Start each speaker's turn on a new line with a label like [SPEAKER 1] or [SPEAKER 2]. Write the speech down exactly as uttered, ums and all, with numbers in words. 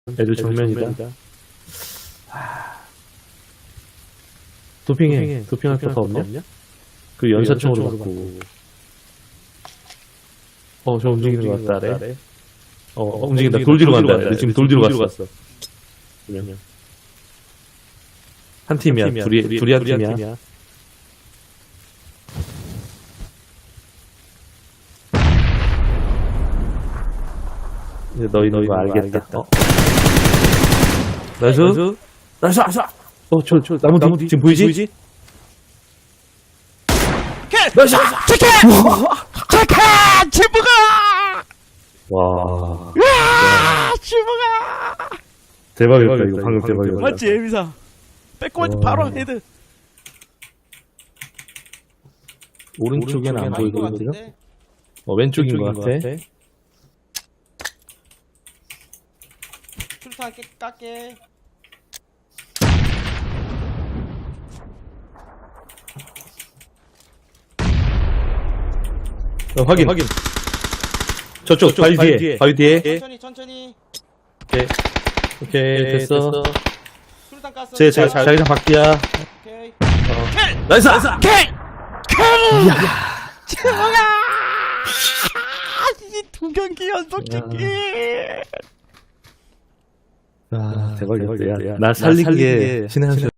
[SPEAKER 1] 애들 정면이다. 도핑해. 도핑할 거가 없냐? 그 연사총으로 갖고. 어, 저 움직이는 것 같다, 아래. 어, 어, 움직인다. 돌 뒤로 간다. 아래. 지금 돌 뒤로 갔어. 한 팀이야. 둘이, 둘이 한 팀이야. 이제 너희 너희 거 알겠다. 어. 나이스. 나이스. 나이스. 어, 저, 저, 나무, 나무 뒤, 지금 보이지? 보이지? 나이스.
[SPEAKER 2] 체크! 체크! 지붕아!
[SPEAKER 1] 와.
[SPEAKER 2] 와! 지붕아!
[SPEAKER 1] 대박이었다, 이거. 방금 대박이었다.
[SPEAKER 2] 맞지, 에미사? 빼꼼하지 바로 헤드.
[SPEAKER 1] 오른쪽에는 안 보이거든요? 어, 왼쪽인 것 같아.
[SPEAKER 2] 출탄 깨, 깎게.
[SPEAKER 1] 어, 확인, 확인. 저쪽, 바위 뒤에, 바위 뒤에.
[SPEAKER 2] 천천히, 천천히.
[SPEAKER 1] 오케이. 오케이, 됐어.
[SPEAKER 2] 술탄 깠어.
[SPEAKER 1] 제, 자, 자기장 바뀌야.
[SPEAKER 2] 오케이.
[SPEAKER 1] 어. 나이스!
[SPEAKER 2] 킬! 킬! 이야! 지붕아! 이 두 경기 연속 찍기!
[SPEAKER 1] 아, 대박이었다. 야, 날 살리기에 신의 한 수.